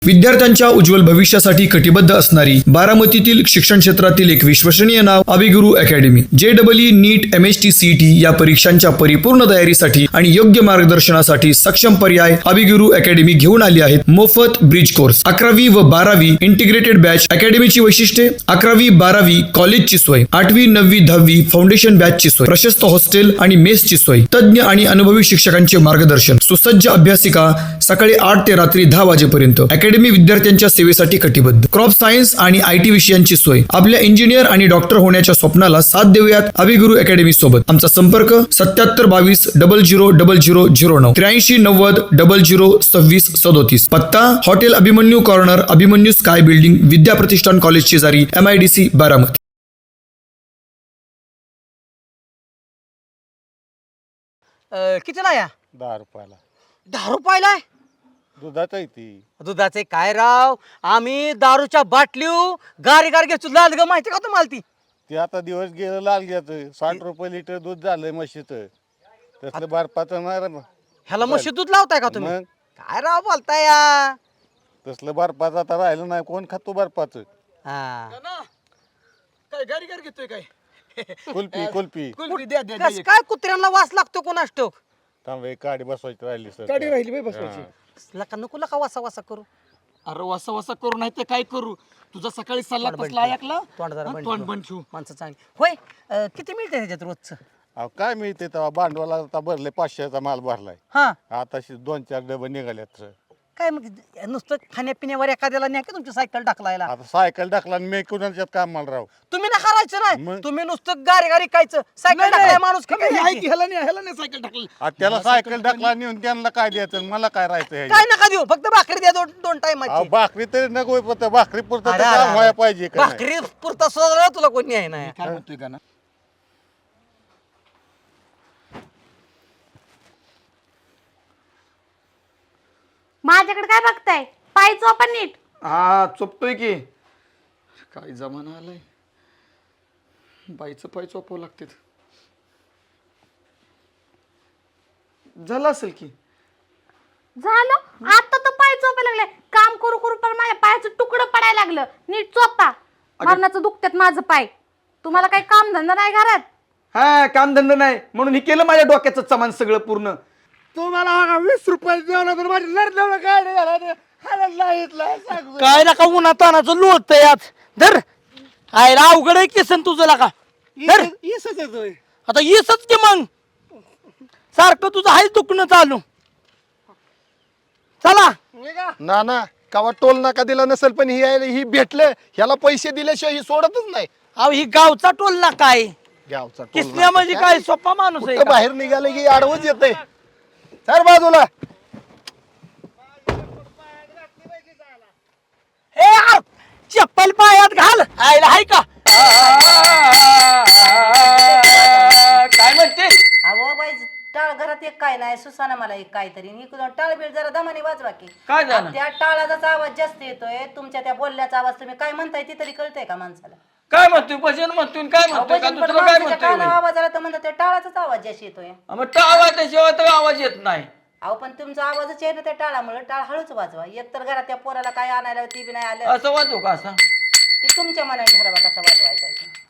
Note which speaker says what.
Speaker 1: विद्यार्थ्यांच्या उज्ज्वल भविष्यासाठी कटिबद्ध असणारी बारामतीतील शिक्षण क्षेत्रातील एक विश्वसनीय नाव Abhiguru academy. JEE NEET MHT CET या परीक्षांच्या परिपूर्ण तयारीसाठी आणि योग्य मार्गदर्शनासाठी सक्षम पर्याय अभिगुरु अकॅडमी घेऊन आली आहेत. मोफत ब्रिज कोर्स, 11वी व 12वी इंटिग्रेटेड बॅच. अकॅडमीची वैशिष्ट्ये: 11वी 12वी कॉलेजची सोय, 8वी 9वी 10वी फाउंडेशन बॅचची सोय, प्रशस्त हॉस्टेल आणि मेसची सोय, तज्ञ आणि अनुभवी शिक्षकांचे मार्गदर्शन, सुसज्ज अभ्यासिका, सकाळी 8 ते रात्री 10 वाजेपर्यंत. अकॅडमी विद्यार्थ्यांच्या सेवेसाठी कटिबद्ध. क्रॉप सायन्स आणि IT विषयांची सोय. आपल्या इंजिनियर आणि डॉक्टर होण्याच्या स्वप्नाला साथ देऊयात अभिगुरु अकॅडमी सोबत. आमचा संपर्क 7722 000009 83 90 00 26 37. पत्ता hotel Abhimanyu corner, Abhimanyu sky building, Vidya Pratishthan college शेजारी, MIDC बारामती.
Speaker 2: कितीला या?
Speaker 3: 10 रुपयाला.
Speaker 2: 10 रुपयाला
Speaker 3: दुधाचं आहे ती.
Speaker 2: दुधाचे काय राव, आम्ही दारूच्या बाटलीव गारी घेतो लाल ग, माहिती का तुम्हाला ती?
Speaker 3: ते आता दिवस गेलं लाल घ्यायचं. 60 रुपये लिटर दूध झालंय म्हशीचं. तसलं बर्फाचं नाही रे.
Speaker 2: ह्याला म्हशी दूध लावताय का तुम्ही?
Speaker 3: मग
Speaker 2: काय राव बोलताय या?
Speaker 3: तसलं बर्फाचं आता राहिलं नाही. कोण खातो बर्फाचं?
Speaker 2: हा.
Speaker 4: काय गाडी घेतोय काय?
Speaker 3: कुल्फी कुल्फी.
Speaker 4: कुल्फी द्या द्या
Speaker 2: कस काय कुत्र्यांना वास लागतो कोणास ठाऊक?
Speaker 3: थांब, एक गाडी बसवायची राहिली सर.
Speaker 4: गाडी राहिली बाई बसवायची.
Speaker 2: लका नको लका वासा वासा करू.
Speaker 4: अरे वसा वसा करू नाही तर काय करू? तुझा सकाळी सल्ला
Speaker 2: तोंड
Speaker 4: कसला
Speaker 2: बंद
Speaker 4: ऐकला?
Speaker 2: तोंड जरा
Speaker 4: हा,
Speaker 2: बंद
Speaker 4: तोंड
Speaker 2: ठेव.
Speaker 4: बंद ठेवू.
Speaker 2: माणसं चांगली होय. किती मिळते ह्याच्यात रोजचं?
Speaker 3: अहो काय मिळते तेव्हा भांडवला आता भरले 500चा माल भरलाय.
Speaker 2: हा.
Speaker 3: आता 2-4 डबे निघाल्यात सर.
Speaker 2: काय मग नुसतं खाण्यापिण्यावर एखाद्याला नाही का तुमची सायकल टाकलायला?
Speaker 3: आता सायकल टाकला आणि मी कुणाच्यात कामाला राहू?
Speaker 2: तुम्ही ना करायचं नाही,
Speaker 3: मग?
Speaker 2: तुम्ही नुसतं गारी कायचं सायकल टाकलाय माणूस की काय नाही?
Speaker 4: ह्याला नाही सायकल टाकली.
Speaker 3: आता त्याला सायकल टाकला नेऊन त्यांना काय द्यायचं? मला काय राहायचं
Speaker 2: काय
Speaker 3: ह्याच्यात?
Speaker 2: नका देऊ, फक्त भाकरी द्या दोन
Speaker 3: अहो
Speaker 2: टायमाची.
Speaker 3: भाकरी तरी नको. फक्त भाकरी पुरतं तर काम व्हायला पाहिजे का नाही?
Speaker 2: भाकरी पुरता सुद्धा तुला कोणी आहे ना.
Speaker 4: काय म्हणतोय का ना?
Speaker 5: माझ्याकडे काय बघताय? पाय चोपा नीट.
Speaker 4: हा चोपतोय की. काय जमाना आलाय, बाईचं पाय चोपावं लागते. झालं असेल की.
Speaker 5: झालं आता तर पाय चोपायला लागले. काम करू करू पण माझ्या पायाचं तुकडं पडायला लागलं. नीट चोपा. मरणाचं दुखतात माझं पाय. तुम्हाला काही काम धंदा नाही घरात?
Speaker 4: हा कामधंदा नाही म्हणून हे केलं माझ्या डोक्याचं सामान सगळं पूर्ण.
Speaker 3: तुम्हाला 20 रुपये जेवण तर माझी लढलं गाडी झाला
Speaker 2: काय नका उन्हा तानाचं लोळत यात धर. आयला अवघड आहे केसन तुझं लका. धर आता येसच की मग. सारखं तुझं आहे दुखणं चालू. चला.
Speaker 6: ना ना कावा टोल नाका दिला नसेल पण ही भेटलं. ह्याला पैसे दिल्याशिवाय ही सोडतच नाही.
Speaker 2: अहो ही गावचा टोल ना काय
Speaker 6: गावचा टोल
Speaker 2: किसन्या म्हणजे काय सोपा माणूस आहे
Speaker 6: कुठं
Speaker 2: का?
Speaker 6: बाहेर निघाले की आडवच येते. सर बाजूला.
Speaker 2: ए आ, चप्पल पायात घाल. आयला हाय का?
Speaker 4: काय म्हणते?
Speaker 7: अहो बाई, टाळ घरात एक काय नाही, सुसाना मला एक काहीतरी टाळ बीळ जरा दमाने वाजवा की.
Speaker 4: काय झालं?
Speaker 7: त्या टाळाचा आवाज जास्त येतोय. तुमच्या त्या बोलण्याचा आवाज तुम्ही काय म्हणताय ते तरी कळतंय का माणसाला?
Speaker 4: काय म्हणतोय? भजन म्हणतोय काय
Speaker 7: अहो,
Speaker 4: म्हणतोय का?
Speaker 7: भजन पण
Speaker 4: दुसरं काय
Speaker 7: माणसाच्या कानावर
Speaker 4: म्हणतोय?
Speaker 7: आवाज आला तर म्हणतात त्या टाळाचाच आवाज जास्त येतोय.
Speaker 4: मग आवाजाशिवाय तर आवाज येत नाही.
Speaker 7: अहो पण तुमचा आवाजच आहे ना त्या टाळामुळे. टाळ हळूच वाजवा. एकतर घरात त्या पोराला काय आणायला ती बी नाही आलं.
Speaker 4: असं वाजू का? असं
Speaker 7: ते तुमच्या मनाने ठरवा कसा वाजवायचा आहे ते.